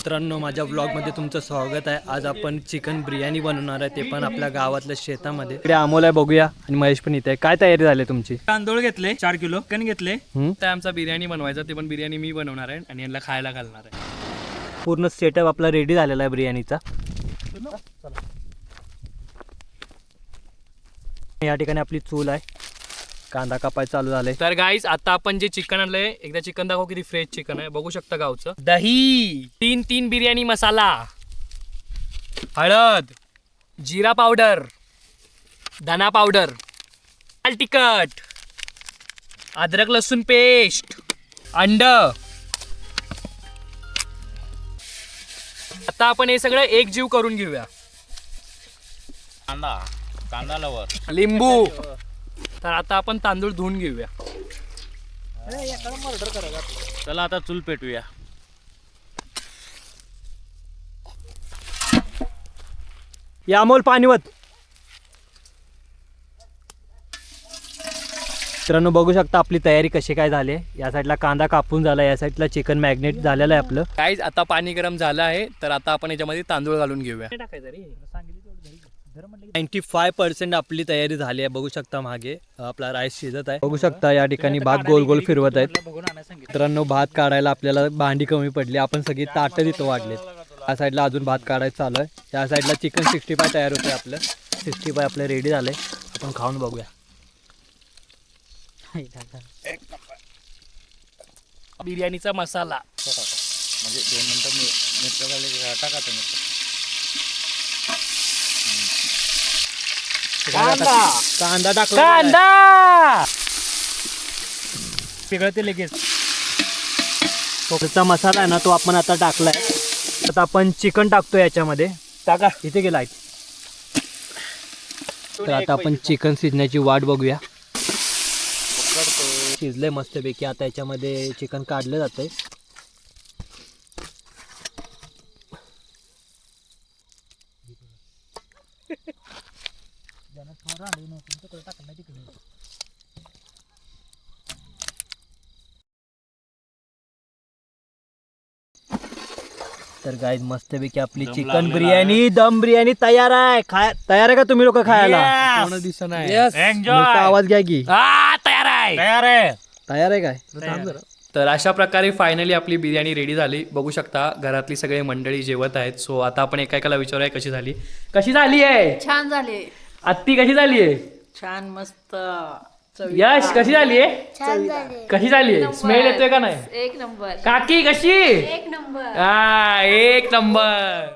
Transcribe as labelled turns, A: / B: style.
A: मित्रांनो, माझ्या व्लॉगमध्ये तुमचं स्वागत आहे। आज आपण चिकन बिर्याणी बनवणार आहे, ते पण आपल्या गावातल्या शेतामध्ये। इकडे अमोल आहे, बघूया, आणि महेश पण इथे आहे। काय तयारी झाली तुमची?
B: तांदूळ घेतले 4 किलो, चिकन घेतले।
C: तर आमचा बिर्याणी बनवायचा, ते पण बिर्याणी मी बनवणार आहे आणि यांना खायला घालणार आहे।
A: पूर्ण सेटअप आपला रेडी झालेला आहे बिर्याणीचा। या ठिकाणी आपली चूल आहे, कांदा कापाय चालू झाले।
C: तर गाईस, आता आपण जे चिकन आणलंय, एकदा चिकन दाखव किती फ्रेश चिकन आहे, बघू शकता गावचं। दही, 3 बिर्याणी मसाला, हळद, जिरा पावडर, धना पावडर, लाल तिखट, अद्रक लसूण पेस्ट, अंड। आता आपण हे सगळं एकजीव करून घेऊया।
B: कांदा लवर,
C: लिंबू। तर आता आपण तांदूळ धुवून घेऊया।
B: चला आता चूल पेटूया।
A: या अमोल, पाणीवत। मित्रांनो, बघू शकता आपली तयारी कशी काय झाली। या साईडला कांदा कापून झाला, या साईडला चिकन मॅग्नेट झालेलं आहे आपलं।
C: गाईज, आता पाणी गरम झालं आहे, तर आता आपण याच्यामध्ये तांदूळ घालून घेऊया।
A: 95% आपली तयारी झाली आहे। बघू शकता मागे आपला राईस शिजत आहे। बघू शकता या ठिकाणी भात गोल गोल फिरवत आहेत। मित्रांनो, भात काढायला आपल्याला भांडी कमी पडली, आपण सगळी ताटं तिथं वाढलेत। या साईडला अजून भात काढायचं चालू आहे। या साईडला चिकन 65 तयार होते। आपलं 65 आपलं रेडी झालंय, आपण खाऊन बघूया।
C: बिर्याणीचा मसाला
B: म्हणजे 2 मिनिटं मिरच्या झाले टाकायचं मिरच्या।
A: कांदा टाकला,
C: कांदा
A: वेगळं ते लगेच खोबऱ्याचा मसाला आहे ना, तो आपण आता टाकलाय। आता आपण चिकन टाकतो याच्यामध्ये। टाका, इथे गेला आहे। तर आता आपण चिकन शिजण्याची वाट बघूया। शिजले मस्तपैकी, आता याच्यामध्ये चिकन काढलं जातंय। तर गाईज, मस्तपैकी आपली चिकन बिर्याणी, दम बिर्याणी तयार आहे। तयार आहे का तुम्ही लोक खायला?
C: कोण दिसत नाही।
A: मोठा आवाज घ्या की।
C: तयार आहे,
B: तयार आहे।
A: तयार आहे काय?
C: तर अशा प्रकारे फायनली आपली बिर्याणी रेडी झाली। बघू शकता घरातली सगळी मंडळी जेवत आहेत। सो आता आपण एकाला विचारूया कशी झाली। कशी झाली आहे?
D: छान झाले,
C: आत्ती कशी झाली आहे?
D: छान, मस्त।
C: यश कशी झाली आहे? कशी झाली आहे? स्मेल येतोय का नाही?
D: 1 नंबर,
C: काकी कशी?
D: 1 नंबर।
C: एक नंबर।